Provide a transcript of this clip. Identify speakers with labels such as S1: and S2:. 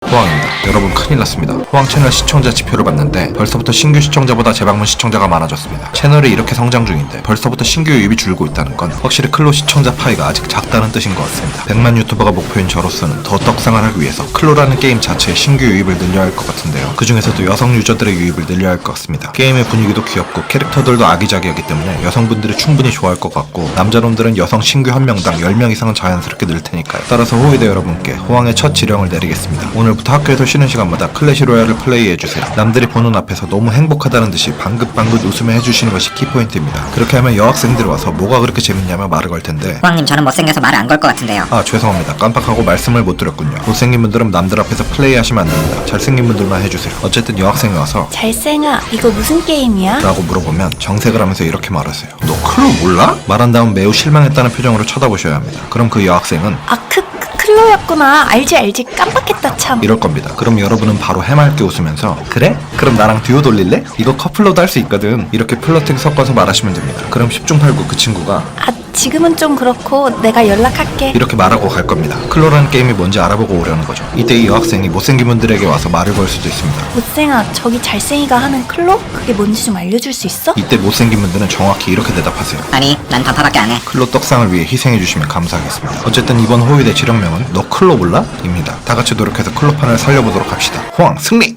S1: 호황입니다. 여러분 큰일 났습니다. 호황 채널 시청자 지표를 봤는데 벌써부터 신규 시청자보다 재방문 시청자가 많아졌습니다. 채널이 이렇게 성장 중인데 벌써부터 신규 유입이 줄고 있다는 건 확실히 클로 시청자 파이가 아직 작다는 뜻인 것 같습니다. 100만 유튜버가 목표인 저로서는 더 떡상을 하기 위해서 클로라는 게임 자체의 신규 유입을 늘려야 할 것 같은데요. 그 중에서도 여성 유저들의 유입을 늘려야 할 것 같습니다. 게임의 분위기도 귀엽고 캐릭터들도 아기자기하기 때문에 여성분들이 충분히 좋아할 것 같고 남자놈들은 여성 신규 한 명당 10명 이상은 자연스럽게 늘 테니까요. 따라서 호위대 여러분께 호황의 첫 지령을 내리겠습니다. 오늘부터 학교에서 쉬는 시간마다 클래시 로얄을 플레이해주세요. 남들이 보는 앞에서 너무 행복하다는 듯이 방긋방긋 웃으며 해주시는 것이 키포인트입니다. 그렇게 하면 여학생들이 와서 뭐가 그렇게 재밌냐며 말을 걸 텐데
S2: 호황님 저는 못생겨서 말을 안 걸 것 같은데요.
S1: 아 죄송합니다. 깜빡하고 말씀을 못 드렸군요. 못생긴 분들은 남들 앞에서 플레이하시면 안 됩니다. 잘생긴 분들만 해주세요. 어쨌든 여학생이 와서
S3: 잘생아, 이거 무슨 게임이야?
S1: 라고 물어보면 정색을 하면서 이렇게 말하세요. 너 클로 몰라? 말한 다음 매우 실망했다는 표정으로 쳐다보셔야 합니다. 그럼 그 여학생은
S3: 클로였구나. 알지 깜빡했다 참.
S1: 이럴 겁니다. 그럼 여러분은 바로 해맑게 웃으면서 그래? 그럼 나랑 듀오 돌릴래? 이거 커플로도 할 수 있거든. 이렇게 플러팅 섞어서 말하시면 됩니다. 그럼 10중 8구 그 친구가
S3: 아, 지금은 좀 그렇고 내가 연락할게.
S1: 이렇게 말하고 갈 겁니다. 클로라는 게임이 뭔지 알아보고 오려는 거죠. 이때 이 여학생이 못생긴 분들에게 와서 말을 걸 수도 있습니다.
S3: 못생아, 저기 잘생이가 하는 클로? 그게 뭔지 좀 알려줄 수 있어?
S1: 이때 못생긴 분들은 정확히 이렇게 대답하세요.
S2: 아니 난 단파밖에 안 해.
S1: 클로 떡상을 위해 희생해주시면 감사하겠습니다. 어쨌든 이번 호위대 지령명은 너 클로 몰라? 입니다. 다같이 노력해서 클로판을 살려보도록 합시다. 호황 승리!